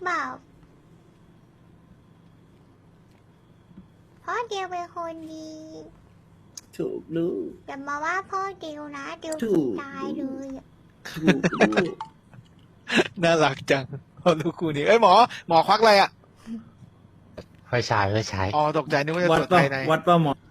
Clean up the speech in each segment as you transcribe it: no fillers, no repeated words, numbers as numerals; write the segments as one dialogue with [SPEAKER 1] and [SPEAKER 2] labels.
[SPEAKER 1] เปล่าพ่อเดียวเป็นคนดี
[SPEAKER 2] ถูกลูก
[SPEAKER 1] อย่ามาว่าพ่อเดียวนะเดียว
[SPEAKER 2] ถูก
[SPEAKER 1] ตายเลยอะ
[SPEAKER 2] ถูกลูก
[SPEAKER 3] น่ารักจังพอลูกคู่นี้เอ้ยหมอควักอะไรอ่ะ
[SPEAKER 4] ไฟฉายไฟฉาย
[SPEAKER 3] อ๋อตกใจนึกว่าจะ
[SPEAKER 2] วั
[SPEAKER 3] ต
[SPEAKER 2] ด
[SPEAKER 3] รวจ
[SPEAKER 2] ป่ะ
[SPEAKER 3] ภายใน
[SPEAKER 2] วัดป่ะหมอ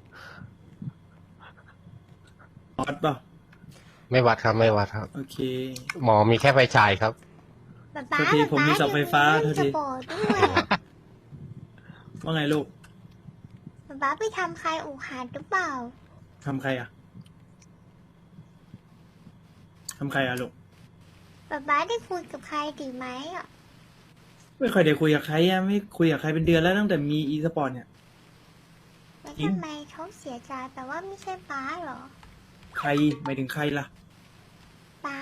[SPEAKER 2] วัดป่ะ
[SPEAKER 4] ไม่วัดครับไม่วัดครับ
[SPEAKER 2] โอเค
[SPEAKER 4] หมอมีแค่ไฟฉายครับ
[SPEAKER 1] ป๊าป๊า
[SPEAKER 2] โทษทีผมมีเสาไฟฟ้า
[SPEAKER 1] เดี๋ยว
[SPEAKER 2] โทษที
[SPEAKER 1] จะบอกด้วย
[SPEAKER 2] ว่าไงลูก
[SPEAKER 1] ป๊าป๊าไปทำใครอุกหาหรือเปล่า
[SPEAKER 2] ทำใครอ่ะทำใครอ่ะลูก
[SPEAKER 1] ป๊าป๊าได้คุยกับใครดีไหมอ่ะ
[SPEAKER 2] ไม่ค่อยได้คุยกับใครอ่ะไม่คุยกับใครเป็นเดือนแล้วตั้งแต่มีอีสปอร์ตเนี่ย
[SPEAKER 1] แล้ว
[SPEAKER 2] จริง
[SPEAKER 1] ทำไมเขาเสียใจแต่ว่าไม่ใช่ป๊าเหรอ
[SPEAKER 2] ใครหมายถึงใครล่ะ
[SPEAKER 1] ป๊า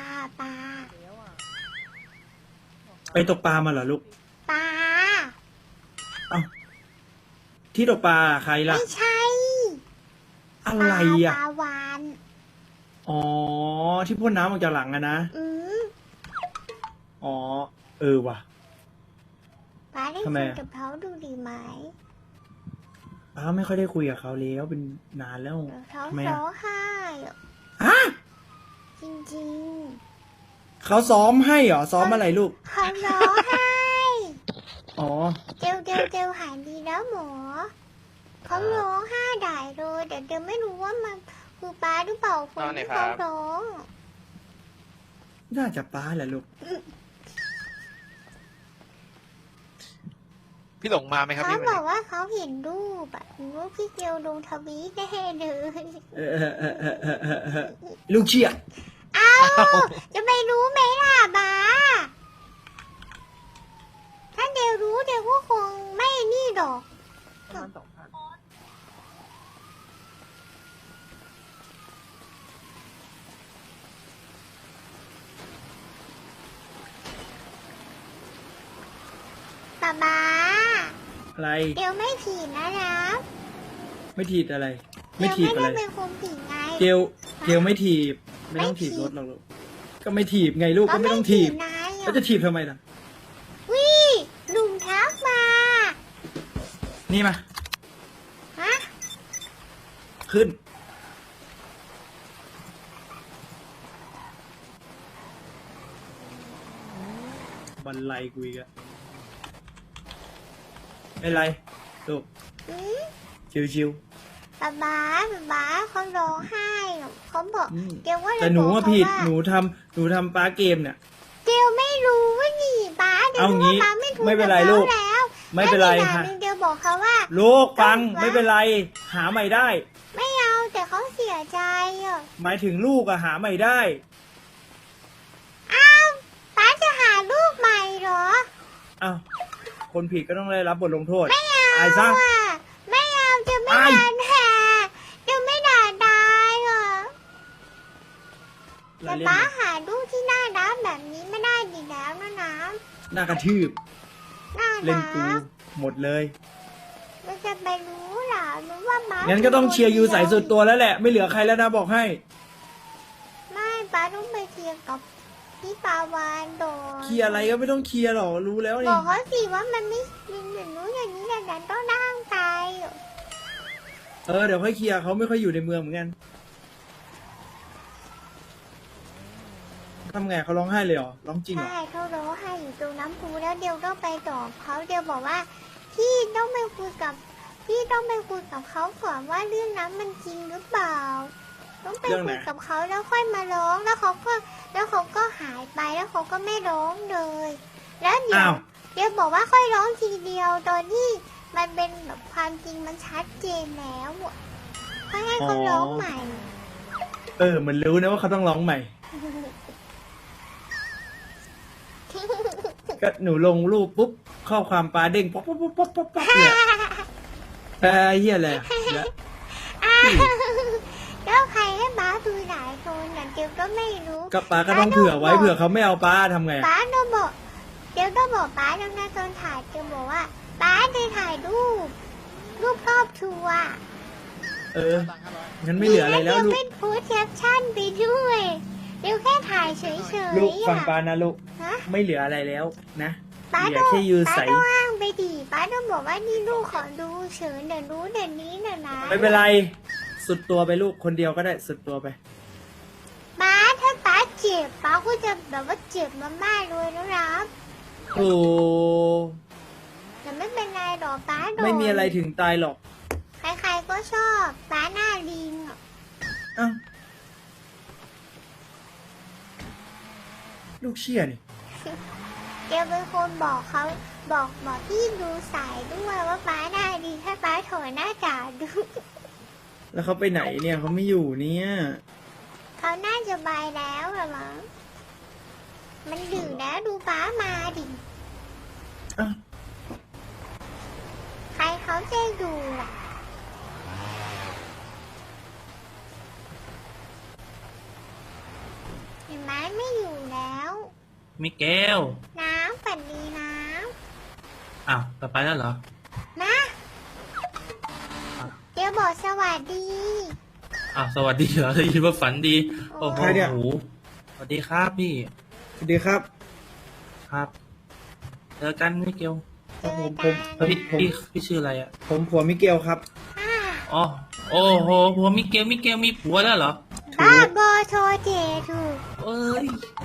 [SPEAKER 2] ไปตกปลามาเหรอลูก
[SPEAKER 1] ป๊า
[SPEAKER 2] เอ้าที่ตกปลาใครล่ะ
[SPEAKER 1] ไม่ใช่
[SPEAKER 2] อะไรอ่ะ
[SPEAKER 1] ปลาวาน
[SPEAKER 2] อ๋อที่พ่นน้ำออกจากหลังอะนะ
[SPEAKER 1] อืม
[SPEAKER 2] อ๋อเออว่ะ
[SPEAKER 1] ป๊าได้
[SPEAKER 2] ทำไม
[SPEAKER 1] คุย
[SPEAKER 2] อะ
[SPEAKER 1] กับเขาดูดีไหม
[SPEAKER 2] ป้าไม่ค่อยได้คุยกับเขาแล้วเป็นนานแล้ว
[SPEAKER 1] เดี๋ยวเขา
[SPEAKER 2] ทำไม
[SPEAKER 1] ร้
[SPEAKER 2] อะ
[SPEAKER 1] องไห้อะ
[SPEAKER 2] ฮะ
[SPEAKER 1] จริง
[SPEAKER 2] เขาซ้อมให้เหรอซ้อมอะไรลูก
[SPEAKER 1] ๆเขาร้องไห้
[SPEAKER 2] อ๋อ
[SPEAKER 1] เดี๋ยวหายดีแล้วหมอเขาร้องไห้ได้เลยแต่เดี๋ยวไม่รู้ว่ามันคือป๊าหรือเปล่าคนที่เขาร้อง
[SPEAKER 2] น่าจะป้าแหละลูก
[SPEAKER 3] พี่หลงมาไหมครับ
[SPEAKER 1] เขา
[SPEAKER 3] พี่
[SPEAKER 1] บ
[SPEAKER 3] วัน
[SPEAKER 1] อก
[SPEAKER 3] นี้
[SPEAKER 1] ว่าเขาเห็นรูปอะเห็นรูปพี่เกลลงทวีตแน่เลย
[SPEAKER 2] ลูกเชียร์
[SPEAKER 1] เอาจะไปรู้ไหมล่ะบ้าถ้าเดี๋ยวรู้เดี๋ยวก็คงไม่นี่ดอก ป๊า
[SPEAKER 2] อะไร
[SPEAKER 1] เดี๋ยวไม่ผิดนะ
[SPEAKER 2] ไม่ถีบอะไร ไม่
[SPEAKER 1] เดี๋ยว
[SPEAKER 2] ถีบ
[SPEAKER 1] ไม่
[SPEAKER 2] อะไร
[SPEAKER 1] ได้เป็นคนผิดไง
[SPEAKER 2] เกลไม่ถีบ ไม่ต้องถีบรถหรอกลูกก็ไม่ถีบไงลูกก็ไม่ต้องถีบ
[SPEAKER 1] นาย
[SPEAKER 2] แล้วจะถีบทำไมล่ะ
[SPEAKER 1] วิหนุ่มทักมา
[SPEAKER 2] นี่มา
[SPEAKER 1] ฮะ
[SPEAKER 2] ขึ้น บันไลกูอีกอะไม่เป็นไรลูก
[SPEAKER 1] อืม
[SPEAKER 2] ชิว
[SPEAKER 1] ป๊าเขาร้องไห้อะเขาบอก
[SPEAKER 2] อืม
[SPEAKER 1] เดี๋ยวว่า
[SPEAKER 2] ๆ
[SPEAKER 1] เลย
[SPEAKER 2] แต่หนู
[SPEAKER 1] บอก
[SPEAKER 2] ว่า
[SPEAKER 1] เขา
[SPEAKER 2] ผิด
[SPEAKER 1] ว่า
[SPEAKER 2] หนูทำปลาเกมเนี่ย
[SPEAKER 1] เดี๋ยวไม่รู้ว่านี่ป๊าเดี๋ยว
[SPEAKER 2] เอางี้
[SPEAKER 1] รู้ว่าป๊าไม่ถูก
[SPEAKER 2] ไม่เป็นไร
[SPEAKER 1] กับ
[SPEAKER 2] ลูก
[SPEAKER 1] ขาแล้ว
[SPEAKER 2] ไม่เป็นไร
[SPEAKER 1] แล้วอีกอย่า
[SPEAKER 2] ฮะ
[SPEAKER 1] งหนึ่งเดี๋ยวบอกเขาว่า
[SPEAKER 2] ลูกฟัง
[SPEAKER 1] เอาวะ
[SPEAKER 2] ไม่เป็นไร หาใหม่ได้
[SPEAKER 1] ไม่เอาแต่เขาเสียใจอ่ะ
[SPEAKER 2] หมายถึงลูกอะหาใหม่ได้
[SPEAKER 1] อ้าวป๊าจะหาลูกใหม่เหรอ
[SPEAKER 2] อ้าวคนผิดก็ต้องได้รับบทลงโทษ
[SPEAKER 1] ไม่เอา
[SPEAKER 2] อายซะ
[SPEAKER 1] อ่ะไม่เอาจะไม่
[SPEAKER 2] อาย
[SPEAKER 1] ด่าแห่จะไม่ด่าตายเหรอ แต่
[SPEAKER 2] เราเล่น
[SPEAKER 1] ป๊า
[SPEAKER 2] นะ
[SPEAKER 1] หาลูกที่น่ารักแบบนี้ไม่ได้ดีแล้วนะน้
[SPEAKER 2] หน้ากระทืบ
[SPEAKER 1] ำน่า
[SPEAKER 2] เล่น
[SPEAKER 1] รั
[SPEAKER 2] กู
[SPEAKER 1] ก
[SPEAKER 2] หมดเลย
[SPEAKER 1] เราจะไปรู้เหรอรู้ว่าป๊า
[SPEAKER 2] งั้นก็ต้องเชียร์ยูใส่สุดตัวแล้วแหละ ไม่เหลือใครแล้วนะบอกให้
[SPEAKER 1] ไม่ป๊าต้องไปเคลียร์กับพี่ปาวานโดน
[SPEAKER 2] เคลียร์อะไรก็ไม่ต้องเคลียร์หรอกรู้แล้ว
[SPEAKER 1] บ
[SPEAKER 2] นี่
[SPEAKER 1] อกเขาสิว่ามันไม่เป็นอย่างนู้นอย่างนี้อย่างนั้นต้องนั่งใจ
[SPEAKER 2] เดี๋ยวค่อยเคลียร์เขาไม่ค่อยอยู่ในเมืองเหมือนกันทำไงเขาร้องไห้เลยเหรอร้องจริงเหรอ
[SPEAKER 1] ใช่เขาร้องไห้อยู่ตรงน้ำพุแล้วเดียวต้องไปตอบเขาเดียวบอกว่าพี่ต้องไปคุยกับเขาก่อนว่าเรื่องนั้นมันจริงหรือเปล่า ต้องไปคุยกับเขาแล้วค่อยมาร้องแล้วเขาก็หายไปแล้วเขาก็ไม่ร้องเลย แล้วเดี๋ยว
[SPEAKER 2] อ้าว
[SPEAKER 1] เดี๋ยวบอกว่าค่อยร้องทีเดียวตอนที่มันเป็นแบบความจริงมันชัดเจนแล้วอะค่อยให้เขาร้องใหม่
[SPEAKER 2] เหมือนรู้นะว่าเขาต้องร้องใหม่ ก็หนูลงรูปปุ๊บข้อความปลาเด้งป๊อปป๊อปป๊อปป๊อปป๊อปป๊อปเนี่ยเฮียอะไรอะแล้ว
[SPEAKER 1] แล้วใครให้บ้าดูหลายคนแต่เดี๋ยวก็ไม่รู้
[SPEAKER 2] ก็ปลาก็ต้องเผื่อไว้เผื่อเขาไม่เอาปลาทำไงอะ
[SPEAKER 1] ป้าต้องบอกเดี๋ยวต้องบอกป้าแล้วนะตอนถ่ายเดี๋ยวบอกว่าป้าจะถ่ายรูปครอบครัว
[SPEAKER 2] งั้นไม่เหลืออะไรแล้ว
[SPEAKER 1] เดี๋ยว
[SPEAKER 2] ลูก
[SPEAKER 1] เป็นโพสแคปชั่นไปด้วยเดี๋ยวแค่ถ่ายเฉยๆ
[SPEAKER 2] ลูกฟัง
[SPEAKER 1] อะ
[SPEAKER 2] ปลานะลูก
[SPEAKER 1] ฮะ
[SPEAKER 2] ไม่เหลืออะไรแล้วนะ
[SPEAKER 1] ป้า
[SPEAKER 2] เหลื
[SPEAKER 1] ต้
[SPEAKER 2] อ
[SPEAKER 1] อง
[SPEAKER 2] แค่ยืน
[SPEAKER 1] ป้า
[SPEAKER 2] ใส
[SPEAKER 1] ต้องอ้างไปดิป้าต้องบอกว่านี่ลูกขอดูเฉินเดี๋ยวรู้เดี๋ยวนี้เดี๋ยวนะ
[SPEAKER 2] ไม่เป็นไร สุดตัวไปลูกคนเดียวก็ได้สุดตัวไป
[SPEAKER 1] ป้าถ้าป้าเจ็บป้าก็จะแบบว่าเจ็บมากๆเลยนะครับ
[SPEAKER 2] โอ้
[SPEAKER 1] แต่ไม่เป็นไรหรอกป้าโดน
[SPEAKER 2] ไม่มีอะไรถึงตายหรอก
[SPEAKER 1] ใครๆก็ชอบป้าหน้าลิงอะ
[SPEAKER 2] อ้าวลูกเชี่ยนี่
[SPEAKER 1] เดี๋ยวเป็นคนบอกเขาบอกพี่ดูสายด้วยว่าป้าหน้าลิงให้ป้าถอยหน้ากากดู
[SPEAKER 2] แล้วเขาไปไหนเนี่ยเขาไม่อยู่เนี่ย
[SPEAKER 1] เขาน่าจะบายแล้วเหรอมั้งมันดึกแล้วดูป้ามาดิ
[SPEAKER 2] อ้าว
[SPEAKER 1] ใครเขาจะดูล่ะเห็นไหมไม่อยู่แล้ว
[SPEAKER 5] มิเกล
[SPEAKER 1] น้ำฝันดีน้
[SPEAKER 5] อ้าวต่อไปแล้วเหรอ
[SPEAKER 1] ำนะเดี๋ยวบอกสวัสดี
[SPEAKER 5] อ้าวสวัสดีเหรอได้ยินว่าฝันดี โอ้โห
[SPEAKER 2] ใครเนี่ย
[SPEAKER 5] สวัสดีครับพี่
[SPEAKER 2] สวัสดีครับ
[SPEAKER 5] ครับ เจอกันมิเกล
[SPEAKER 1] เจอ
[SPEAKER 2] ผม
[SPEAKER 1] กัน
[SPEAKER 5] พี่ชื่ออะไรอ่ะ
[SPEAKER 2] ผมผัวมิเกลครับ
[SPEAKER 1] อ่า
[SPEAKER 5] อ๋อ โอ้โหผัวมิเกลมีผัวแล้วเหรอ
[SPEAKER 1] บ้าบอโชเจถูก
[SPEAKER 5] เอ้ย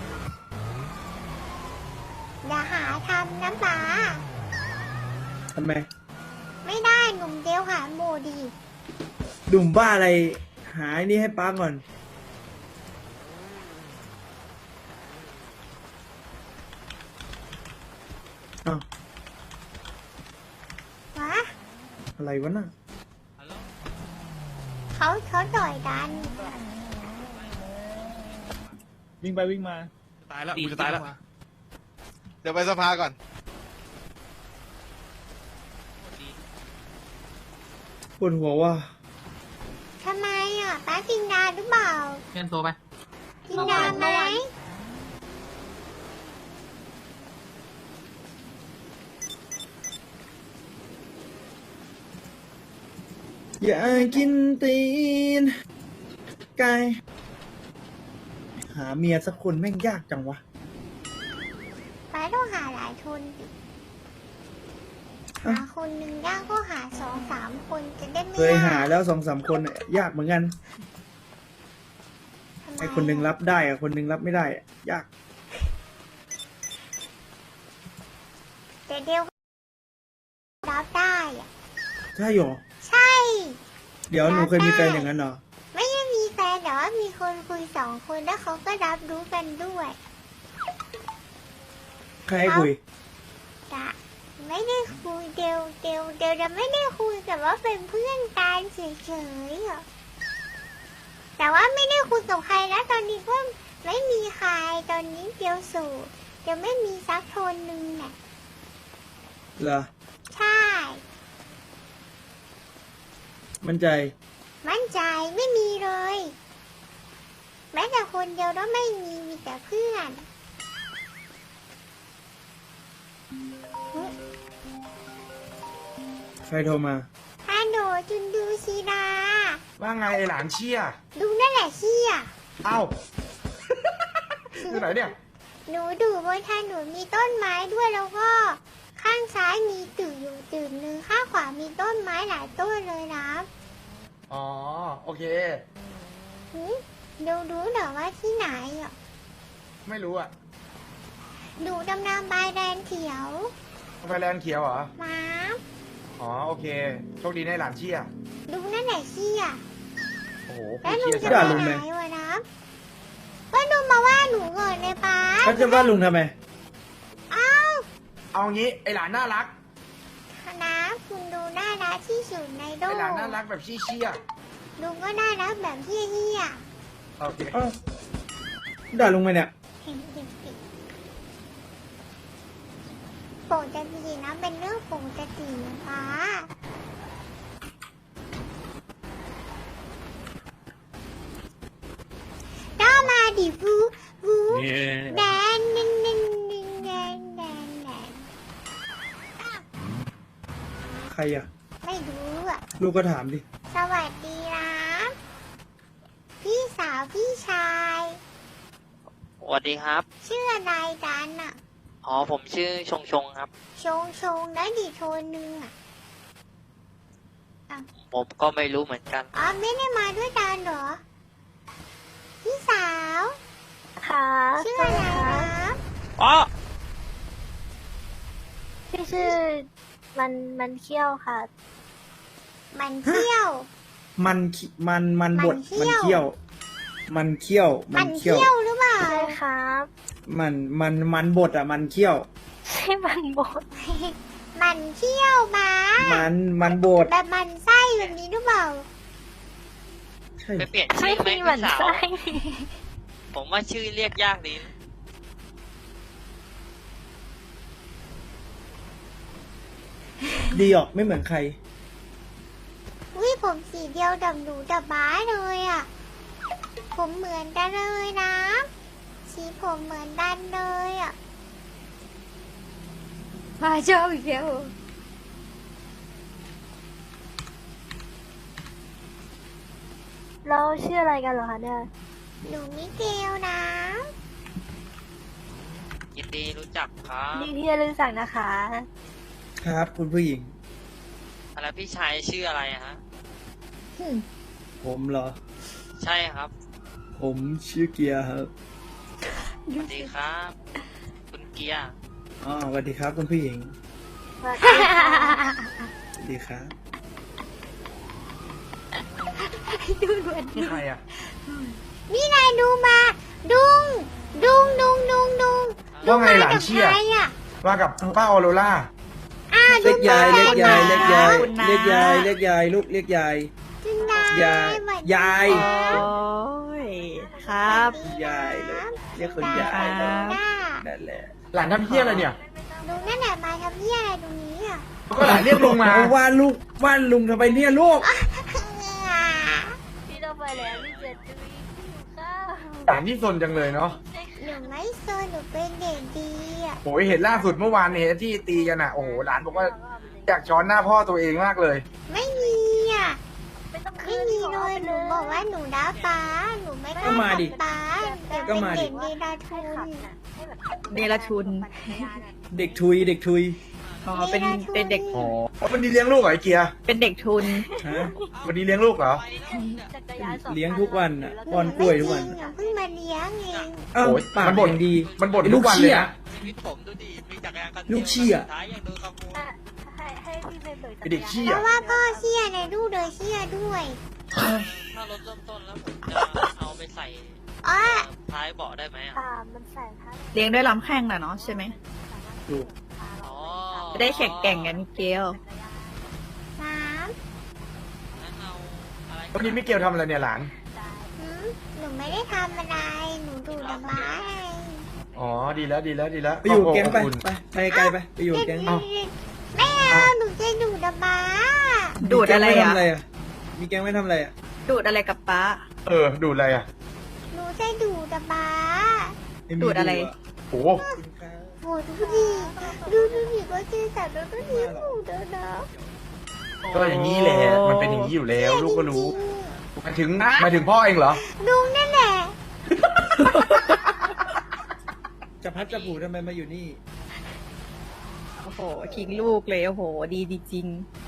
[SPEAKER 1] อย่าหาทำนะป้า
[SPEAKER 2] ทำไม
[SPEAKER 1] ไม่ได้หนุ่มเดียวหาโมดี
[SPEAKER 2] ดุ่มบ้าอะไร หาไอ้นี่ให้ป้าก่อน อ้าว
[SPEAKER 1] วะ
[SPEAKER 2] อะไรวะน่ะ
[SPEAKER 1] เขาต่อยกัน
[SPEAKER 3] วิ่งไปวิ่งมา ตายแล้วกูจะตายแล้ว เดี๋ยวไปสภาก่อน
[SPEAKER 2] ปวดหัวว่ะ
[SPEAKER 1] ทำไมอ่ะป้ากินดาหรือเปล่า
[SPEAKER 5] เพื่อนโทรไป
[SPEAKER 1] กินดาไหม
[SPEAKER 2] อยากกินตีน ไก่หาเมียสักคนแม่งยากจังวะ
[SPEAKER 1] ป้าต้องหาหลายคนดิหาคนหนึ่งยากก็หา2-3 คนจะได้ไม่
[SPEAKER 2] เคยหาย
[SPEAKER 1] าก
[SPEAKER 2] แล้ว2-3 คนน่ะยากเหมือนกัน
[SPEAKER 1] ทำไม
[SPEAKER 2] ไอคนหนึ่งรับได้อะคนหนึ่งรับไม่ได้อะยาก
[SPEAKER 1] แต่เดียวรับได้อ่ะ
[SPEAKER 2] ใช่หรอ
[SPEAKER 1] ใช่
[SPEAKER 2] เดี๋ยวหนูเคยมีแฟนอย่างนั้นเหรอ
[SPEAKER 1] ไม่ได้มีแฟนแต่ว่ามีคนคุย2 คนแล้วเขาก็รับรู้กันด้วย
[SPEAKER 2] ใครให้คุย
[SPEAKER 1] จะไม่ได้คุยเดียวจะไม่ได้คุยแต่ว่าเป็นเพื่อนกันเฉยๆอ่ะแต่ว่าไม่ได้คุยกับใครนะตอนนี้ก็ไม่มีใครตอนนี้เดียวโสูเดียวไม่มีสักคนหนึ่งน่ะ
[SPEAKER 2] เหรอ
[SPEAKER 1] ใช่
[SPEAKER 2] มั่นใจ
[SPEAKER 1] มั่นใจไม่มีเลย แม้แต่คนเดียวก็ไม่มีแต่เพื่อน
[SPEAKER 2] ใครโทรมา
[SPEAKER 1] ฮัลโหลจุนดูชีดา
[SPEAKER 3] ว่าไงไอหลานเชี่ย
[SPEAKER 1] ดูนั่นแหละเชี่ย
[SPEAKER 3] เอ้า อยู่ไหนเนี่ย
[SPEAKER 1] หนูดูบนถนนมีต้นไม้ด้วยแล้วก็ ข้างซ้ายมีตึกอยู่ตึกหนึ่งข้างขวามีต้นไม้หลายต้นเลยนะ
[SPEAKER 3] อ๋อ โอเค
[SPEAKER 1] หึดูรู้เหรอว่าที่ไหนอ่ะ
[SPEAKER 3] ไม่รู้อ่ะ
[SPEAKER 1] ดูดำน้ำใบแดงเขียว
[SPEAKER 3] ไฟแลนด์เขียวเหรอ
[SPEAKER 1] มา
[SPEAKER 3] อ๋อ โอเค โชคดีนะไอ้หลานเชี่ย
[SPEAKER 1] ดูนั่นแหละเชี่ย
[SPEAKER 3] โอ้โห
[SPEAKER 1] แล้วหนู
[SPEAKER 3] เชี่ย
[SPEAKER 1] จะ
[SPEAKER 3] จั
[SPEAKER 2] ด่า
[SPEAKER 1] ไป
[SPEAKER 2] ลุงไห
[SPEAKER 1] ไห
[SPEAKER 2] ม
[SPEAKER 1] นวะนะก็ดูมาว่าหนูก่อนเลยป้า
[SPEAKER 2] เขาจะว่าลุงทำไม
[SPEAKER 1] อ้าว
[SPEAKER 3] เอางี้ไอหลานน่ารัก
[SPEAKER 1] นะคุณดูน่ารักที่สุดในโล
[SPEAKER 3] ไอก หลานน่ารักแบบเชี่ย
[SPEAKER 1] ลุงก็น่ารักแบบเฮี้ย
[SPEAKER 3] ๆโอเค
[SPEAKER 2] อ้าวด่าลุงไหมเนี่ย
[SPEAKER 1] ๆเห็นเด็กๆปกตินะเป็นเรื่องปกติป้าก็มาดิฟูแดนแดนแดนแดนแดนแดน
[SPEAKER 2] ใครอ่ะ
[SPEAKER 1] ไม่รู้อ่ะ
[SPEAKER 2] ลูกก็ถามดิ
[SPEAKER 1] สวัสดีนะพี่สาวพี่ชาย
[SPEAKER 6] สวัสดีครับ
[SPEAKER 1] ชื่ออะไรกันอ่ะ
[SPEAKER 6] อ๋อผมชื่อชงชงครับ
[SPEAKER 1] ชงได้ดิโชว์นึงอ่ะ
[SPEAKER 6] ผมก็ไม่รู้เหมือนกัน
[SPEAKER 1] อ๋อไม่ได้มาด้วยกันเหรอ พี่สาว
[SPEAKER 7] ค่ะ
[SPEAKER 1] ชื่ออะไรนะ
[SPEAKER 5] อ๋อ
[SPEAKER 7] พี่ชื่อมันเขี้ยวค่ะ
[SPEAKER 1] มันเที่ยว
[SPEAKER 2] มันบด
[SPEAKER 1] มันเขี้ยว
[SPEAKER 2] มันเขี้ยว
[SPEAKER 1] มันเที่ยวหรือเปล่า
[SPEAKER 7] ใช่ครับ
[SPEAKER 2] มันบดอ่ะ มันเขี้ยว
[SPEAKER 7] ใช่มันบด
[SPEAKER 1] มันเที่ยวมา
[SPEAKER 2] มันบด
[SPEAKER 1] แบบมันไส้แบบนี้หรือเปล่า
[SPEAKER 2] ใช่
[SPEAKER 6] ไปเปลี่ยน
[SPEAKER 7] ไม่
[SPEAKER 6] ชื่อไหม
[SPEAKER 7] มีหมัน
[SPEAKER 6] พี่สาว
[SPEAKER 7] ไส้
[SPEAKER 6] ผมว่าชื่อเรียกยากดีนะ
[SPEAKER 2] ดีออกไม่เหมือนใคร
[SPEAKER 1] วิผมสีเดียวดับหนูดับบ้าเลยอ่ะ ผมเหมือนกันเลยนะ สีผมเหมือนกันเลยอ่ะ
[SPEAKER 7] มาเจ้าอีกแล้วเราชื่ออะไรกันเหรอคะเนี่ย
[SPEAKER 1] หนูมิเกลนะ
[SPEAKER 6] ยินดีรู้จักครับ
[SPEAKER 7] นี่ที่จะรู้จักนะคะ
[SPEAKER 2] ครับคุณผู้หญิง
[SPEAKER 6] แล้วพี่ชายชื่ออะไรอะฮะ
[SPEAKER 2] ผมเหรอ
[SPEAKER 6] ใช่ครับ
[SPEAKER 2] ผมชื่อเกียร์ครับ
[SPEAKER 6] สวัสดีครับ คุณเกียร์
[SPEAKER 2] อ๋อสวัสดีครับคุณผู้หญิง
[SPEAKER 7] สวัสดีค่ะ
[SPEAKER 2] สวัสดีครับ
[SPEAKER 8] นี่ใครอ่ะ
[SPEAKER 1] นี่นายดูมา ดุง
[SPEAKER 8] ว่าไงหลานเชี่ย
[SPEAKER 1] ใครอ่ะ
[SPEAKER 8] มากับป้าออโรล่า
[SPEAKER 2] เรียกยาย
[SPEAKER 1] ดู
[SPEAKER 2] เรียกยาย
[SPEAKER 1] มา
[SPEAKER 2] เรียกยายเรียกยายเรียกยายลูกเรียกยาย
[SPEAKER 1] จุนดาย
[SPEAKER 2] าย
[SPEAKER 1] สวัสดี
[SPEAKER 2] ยาย
[SPEAKER 1] ครับ
[SPEAKER 7] ยครับ
[SPEAKER 2] ยายเลยเรียกคุณยาย
[SPEAKER 1] ครับ
[SPEAKER 2] นั่นแหละ
[SPEAKER 8] หลานทำเพี้ยอะไรเนี่ย
[SPEAKER 1] ลุงนั่นแหละมาทำเหี้ยอะไรตรงนี้อ่ะ
[SPEAKER 8] ก็หลานเรียกลุงมา
[SPEAKER 2] เอาว่าลูกว่าลุงทำไมเนี่ยลูก
[SPEAKER 7] พี่ต้องไปแล้วพี่เจ็ดจุ้ยข้าว
[SPEAKER 8] หลานที่ซนจังเลยเนาะ
[SPEAKER 1] หนูไม่โซนหนูเป็นเด็กดีอ่ะ
[SPEAKER 8] โอ้ยเห็นล่าสุดเมื่อวานเนี่ยที่ตีกันอ่ะ โอ้โห หลานบอกว่าอยากช้อนหน้าพ่อตัวเองมากเลย
[SPEAKER 1] ไม่มีอ่ะ
[SPEAKER 7] ไม่ต้อง
[SPEAKER 1] ไม่มีเลยหนูบอกว่าหนูด่าป้าหนูไม่กล้า
[SPEAKER 2] ก็มาดิ
[SPEAKER 1] ทำป้าเดี๋ยว
[SPEAKER 2] ก็
[SPEAKER 1] เป็น
[SPEAKER 2] มาดิ
[SPEAKER 1] เด็กดีดาทุน
[SPEAKER 9] เนรชุน
[SPEAKER 2] เด็กทุยเด็กทุย
[SPEAKER 9] อ๋อ เป็นเด็ก
[SPEAKER 8] อ๋อวันนี้เลี้ยงลูกเหรอไอ้เกียร์
[SPEAKER 9] เป็นเด็กทุน
[SPEAKER 2] ฮะ
[SPEAKER 8] วันนี้เลี้ยงลูกเหรอ
[SPEAKER 2] เลี้ยงทุกวันอ่ะป้อนกล้วยทุกวัน
[SPEAKER 1] ไม่จริงอ่ะเพิ่งมาเลี้ยงเอง
[SPEAKER 2] เอ้า
[SPEAKER 8] โอ้ย
[SPEAKER 2] ปาก
[SPEAKER 8] มันบ่น
[SPEAKER 2] อย่างดี
[SPEAKER 8] มันบ่น
[SPEAKER 2] ไอ้
[SPEAKER 8] ทุกวันเลยนะ
[SPEAKER 6] ชีวิตผมดูดิมีจักรยานคัน
[SPEAKER 2] ลูกเชี่ย
[SPEAKER 6] สุดท้ายยังโดนขโมย
[SPEAKER 7] ให้พี่ไปเบิก
[SPEAKER 8] ไอ้เด็กเชี่
[SPEAKER 1] เพ
[SPEAKER 8] ย
[SPEAKER 1] ราะว่าพ่อเชี่ยในลูกเลยเชี่ยด้วย
[SPEAKER 6] ถ้ารถเริ่มต้นแล้วผมจะเอาไปใส่
[SPEAKER 1] อ๋อ
[SPEAKER 6] ท้ายเบาะได้ไหมอ่ะ
[SPEAKER 7] ค่ะมันใส่ผ้า
[SPEAKER 9] เลี้ยงด้วยลำแข้งน่ะเนาะใช่ไหม
[SPEAKER 2] ถูก
[SPEAKER 6] อ๋อ
[SPEAKER 9] จะได้แข่งแก่งกันมิเกล
[SPEAKER 1] สาม
[SPEAKER 6] งั้นเอาอะไร
[SPEAKER 8] วันนี้มิเกลทำอะไรเนี่ยหลาน
[SPEAKER 1] หืมหนูไม่ได้ทำอะไรหนูดูดอกไม้
[SPEAKER 8] อ๋อ ดีแล้วดีแล้วดีแล้ว
[SPEAKER 2] ไปอยู่แก๊งไป
[SPEAKER 8] ขอบคุณ
[SPEAKER 2] ไปไกลไปไปอยู่แก๊ง
[SPEAKER 8] เอ้า
[SPEAKER 1] ไม่เอาหนูจะดูดดอกไม้
[SPEAKER 9] ดูดอะไร
[SPEAKER 2] มีแก๊ง
[SPEAKER 9] อ่ะ
[SPEAKER 2] ม่ทำอะไรอ่ะมีแก๊งไม่ทำอะไรอ่ะ
[SPEAKER 9] ดูดอะไรกับป้า
[SPEAKER 8] ดูอะไรอ่ะ
[SPEAKER 1] หนูจะดูดดอกไม้
[SPEAKER 2] ม่มี
[SPEAKER 9] ดูดอะไร
[SPEAKER 8] โอ้
[SPEAKER 1] โหดูดิดูดิก็เจอสัตว์แล้วก็เลี้ยงหนูเด้อนะ
[SPEAKER 8] ก็อย่างนี้แหละ มันเป็นอย่างนี้อยู่แล้ว ลูกก็รู้
[SPEAKER 1] จง
[SPEAKER 8] หมายถึงพ่อเองเหรอ
[SPEAKER 1] ๆลุงนั่นแหละ
[SPEAKER 2] จะพัดจะผูทำไมมาอยู่นี่
[SPEAKER 9] โอ้โหทิ้งลูกเลย โอ้โห ดีจริง